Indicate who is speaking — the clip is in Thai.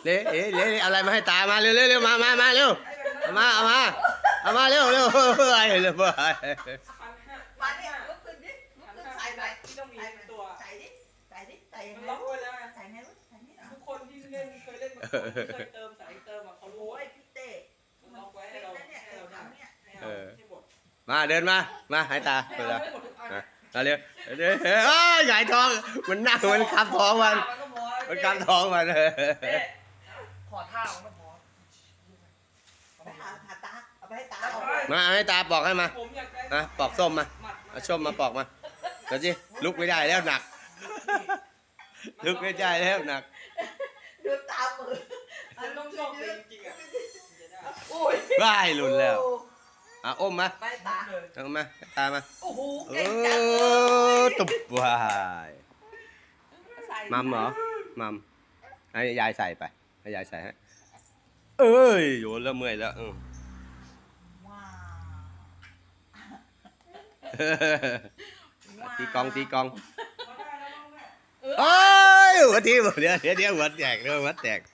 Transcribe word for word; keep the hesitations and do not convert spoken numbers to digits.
Speaker 1: เละเอ๊ะเละอะไรมาให้ตามาเร็วเร็วเร็วมามามาเร็วเอามาเอามาเอามาเร็วเร็วเฮ้ยเร็วเฮ้ย
Speaker 2: พันห้า
Speaker 3: มาเนี่ยลุกขึ้นดิลุก
Speaker 2: พัน
Speaker 3: ขึ้น
Speaker 2: ห้า
Speaker 3: ใส่ไป
Speaker 2: ที่ต้องมี
Speaker 3: ใส่ไป
Speaker 2: ตัว
Speaker 3: ใส่ดิใส่ดิใส่ยัง
Speaker 2: มัน
Speaker 3: ไง
Speaker 2: ล็อกไว้แล้วไง
Speaker 3: ใส่ไงวะใส่นี่เหรอ
Speaker 2: ทุกคนที่เล่นเคยเล่นมาก่อนเคยเติมสายเติมอ่ะเขารู้
Speaker 3: โอ้ยพี่เต้
Speaker 2: มันล็อกไว้ให้เรา
Speaker 3: แล้วเนี่ย
Speaker 2: ให้
Speaker 3: เรา
Speaker 2: เราได้
Speaker 3: ทำเนี่ย
Speaker 2: ให้เราให้หมด
Speaker 1: มาเดินมามาให้ตา
Speaker 2: ให้
Speaker 1: เปิด
Speaker 2: เรา
Speaker 1: ละ
Speaker 2: ให้หมดทุกอัน
Speaker 1: มาเร็วเดี๋ยวเฮ้ยหงายท้องมันนั่งมันคับท้องมัน
Speaker 2: ก็พอ
Speaker 1: มันคับท้องมัน
Speaker 2: ขอท่ามันก็พอ
Speaker 3: เอาไปหาหาตาเอาไปให้ตาเอา
Speaker 1: มาให้ตาปอกให้มา
Speaker 2: ผมอยากได้
Speaker 1: นะปอกส้มมาเอาส้มมาปอกมาเดี๋ยวสิลุกไม่ได้แล้วหนัก ลุกไม่ได้แล้วหนัก
Speaker 3: ดูตามือ
Speaker 2: มันต้องชอบจริงๆอ่ะจะได้
Speaker 3: โอ้ย
Speaker 1: ว่ายหลุนแล้วอ่ะอมมา
Speaker 3: ไปตา
Speaker 1: เอามาให้ตามา
Speaker 3: โอ้โห
Speaker 1: เอ
Speaker 3: เก่งจังเล
Speaker 1: อย ตุบวาย
Speaker 3: ใส่
Speaker 1: มัมเหรอมัมให้ยายใส่ไปให้ยายใส่ฮะเอ้ยโยนแล้วเมื่อยแล้วอืม
Speaker 3: ว้าว
Speaker 1: ตีกองตีกอง
Speaker 2: พอได้แล้วบ้างแม่
Speaker 1: เอ้ยหัวทีเดี๋ยวเดี๋ยวเดี๋ยวหัวแตกเดี๋ยวหัวแตก